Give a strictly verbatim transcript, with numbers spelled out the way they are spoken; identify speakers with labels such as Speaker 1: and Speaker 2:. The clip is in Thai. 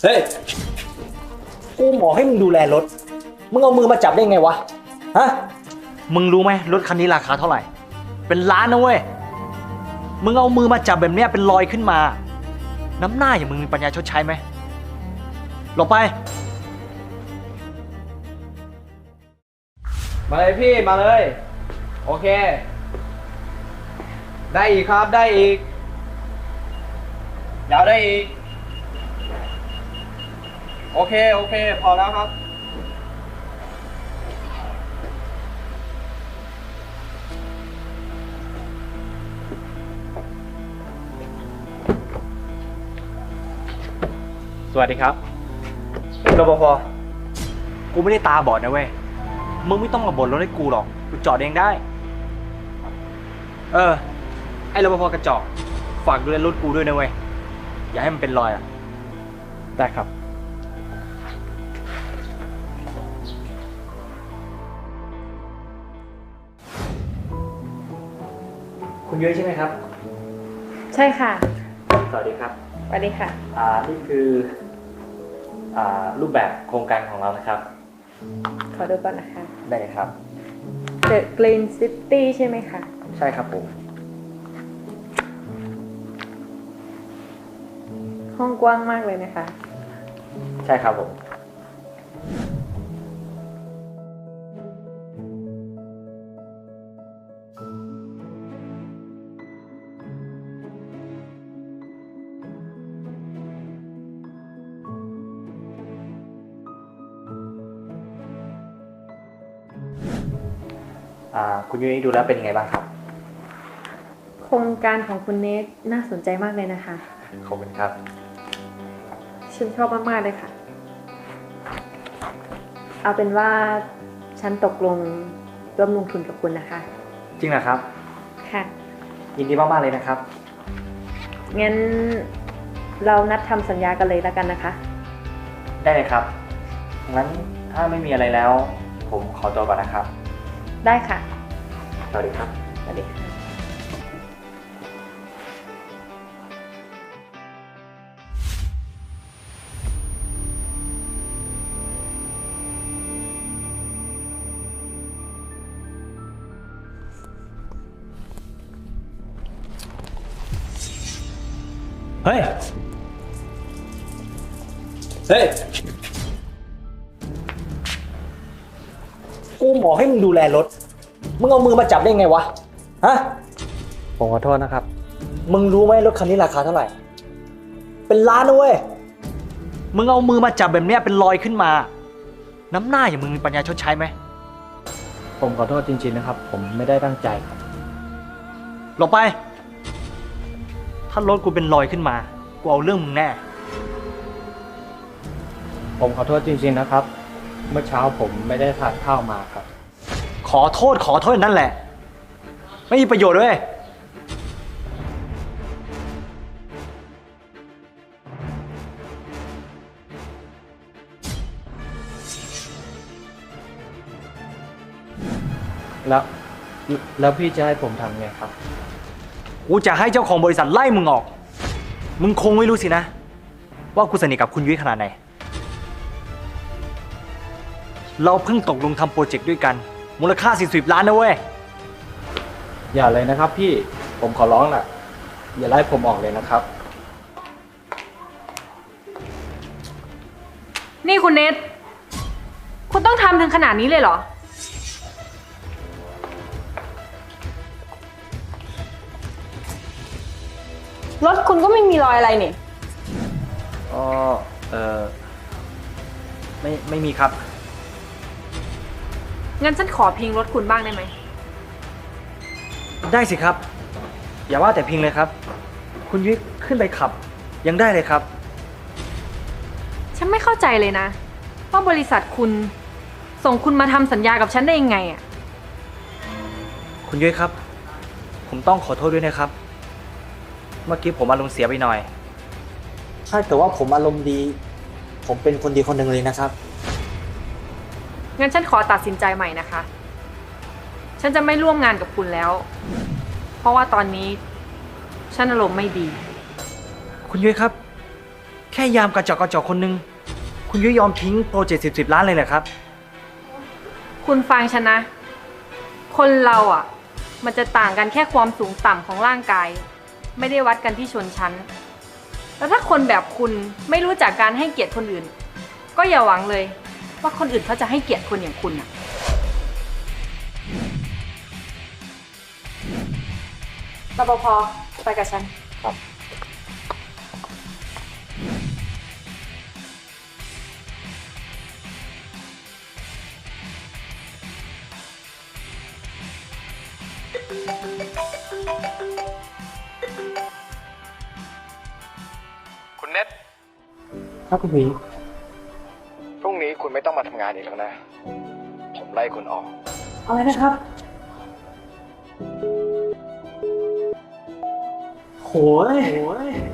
Speaker 1: เฮ้ย กูหมอให้มึงดูแลรถ มึงเอามือมาจับได้ไงวะ ฮะ มึงรู้ไหมรถคันนี้ราคาเท่าไหร่ เป็นล้านนะเว้ย มึงเอามือมาจับแบบเนี้ยเป็นรอยขึ้นมา น้ำหน้าอย่างมึงมีปัญญาชดใช้ไหมหลบไป
Speaker 2: มาเลยพี่มาเลยโอเคได้อีกครับได้อีกยาวได้อีกโอเคโอเคพอแล้วครับ
Speaker 1: สวัสดีครับรปภ กูไม่ได้ตาบอดนะเว้ย มึงไม่ต้องมาบ่นรถให้กูหรอก กูจอดเองได้ เออ ไอ้รปภกระจอก ฝากดูแลรถกูด้วยนะเว้ย อย่าให้มันเป็นรอยอ่ะ ได้ครับ คุณยุ้ยใช่ไหมครับ
Speaker 3: ใช่ค่ะ
Speaker 1: สวัสดีครับ
Speaker 3: สวัสดีค่ะ
Speaker 1: อ่า นี่คือ อ่า รูปแบบโครงการของเรานะครับ
Speaker 3: ขอดูก่อนนะคะ
Speaker 1: ได้เลยครับ
Speaker 3: The Green City ใช่ไหมคะ
Speaker 1: ใช่ครับผม
Speaker 3: ห้องกว้างมากเลยนะคะ
Speaker 1: ใช่ครับผม อ่า คุณยุ้ยดูแล้วเป็นยังไงบ้างครับ
Speaker 3: โครงการของคุณเนทน่าสนใจมากเลยนะคะ
Speaker 1: ขอบคุณครับ
Speaker 3: ฉันชอบมากๆเลยค่ะ เอาเป็นว่าฉันตกลงร่วมลงทุนกับคุณนะคะ
Speaker 1: จริงเหรอครับ
Speaker 3: ค่ะ
Speaker 1: ยินดีมากๆเลยนะครับ
Speaker 3: งั้นเรานัดทำสัญญากันเลยแล้วกันนะคะ
Speaker 1: ได้เลยครับ งั้นถ้าไม่มีอะไรแล้ว ผมขอตัวก่อนนะครับ
Speaker 3: ได้ค่ะ
Speaker 1: สวัสดีครับ
Speaker 3: สวัสดีค่ะ
Speaker 1: เฮ้ย เฮ้ย กูหมอให้มึงดูแลรถ มึงเอามือมาจับได้ไงวะ ฮะ ผมขอโทษนะครับ มึงรู้ไหมรถคันนี้ราคาเท่าไหร่ เป็นล้านนะเว้ย มึงเอามือมาจับแบบเนี้ยเป็นรอยขึ้นมา น้ำหน้าอย่างมึงมีปัญญาชดใช้ไหม
Speaker 2: ผมขอโทษจริงๆนะครับผมไม่ได้ตั้งใจครับ
Speaker 1: หลบไป ถ้ารถกูเป็นรอยขึ้นมา กูเอาเรื่องมึงแน่
Speaker 2: ผมขอโทษจริงๆนะครับ เมื่อเช้าผมไม่ได้ทานข้าวมาครับ
Speaker 1: ขอโทษขอโทษนั่นแหละ ไม่มีประโยชน์ด้วย
Speaker 2: แล้วแล้วพี่จะให้ผมทำไงครับ
Speaker 1: กูจะให้เจ้าของบริษัทไล่มึงออก มึงคงไม่รู้สินะ ว่ากูสนิทกับคุณยุ้ยขนาดไหน เราเพิ่งตกลงทำโปรเจกต์ด้วยกัน มูลค่าสี่สิบล้านนะเว้ย
Speaker 2: อย่าเลยนะครับพี่ผมขอร้องแหละอย่าไล่ผมออกเลยนะครับ
Speaker 4: นี่คุณเนทคุณต้องทำถึงขนาดนี้เลยเหรอ รถคุณก็ไม่มีรอยอะไรนี่
Speaker 1: อ๋อ เออไม่ ไม่มีครับ
Speaker 4: งั้นฉันขอพิงรถคุณบ้างได้ไหม
Speaker 1: ได้สิครับ อย่าว่าแต่พิงเลยครับ คุณยุ้ยขึ้นไปขับ ยังได้เลยครับ
Speaker 4: ฉันไม่เข้าใจเลยนะ ว่าบริษัทคุณส่งคุณมาทำสัญญากับฉันได้ยังไงอะ
Speaker 1: คุณยุ้ยครับ ผมต้องขอโทษด้วยนะครับ เมื่อกี้ผมอารมณ์เสียไปหน่อย ใช่แต่ว่าผมอารมณ์ดี ผมเป็นคนดีคนหนึ่งเลยนะครับ
Speaker 4: งั้นฉันขอตัดสินใจใหม่นะคะ ฉันจะไม่ร่วมงานกับคุณแล้ว เพราะว่าตอนนี้ฉันอารมณ์ไม่ดี
Speaker 1: คุณยุ้ยครับแค่ยามกระจอกกระจอกคนหนึง คุณยุยยอมทิ้งโปรเจกต์สิบสิบล้านเลยเหรอครับ
Speaker 4: คุณฟังฉันนะ คนเราอ่ะ มันจะต่างกันแค่ความสูงต่ำของร่างกาย ไม่ได้วัดกันที่ชนชั้น แล้วถ้าคนแบบคุณไม่รู้จักการให้เกียรติคนอื่น ก็อย่าหวังเลย ว่าคนอื่นเขาจะให้เกียรติคนอย่างคุณอ่ะรปภไปกับฉัน
Speaker 5: คุณเน็ต
Speaker 2: ครับคุณหมี
Speaker 5: พรุ่งนี้คุณไม่ต้องมาทำงานอีกแล้วนะ ผมไล่คุณออก
Speaker 2: อะไรนะครับ โหยโหย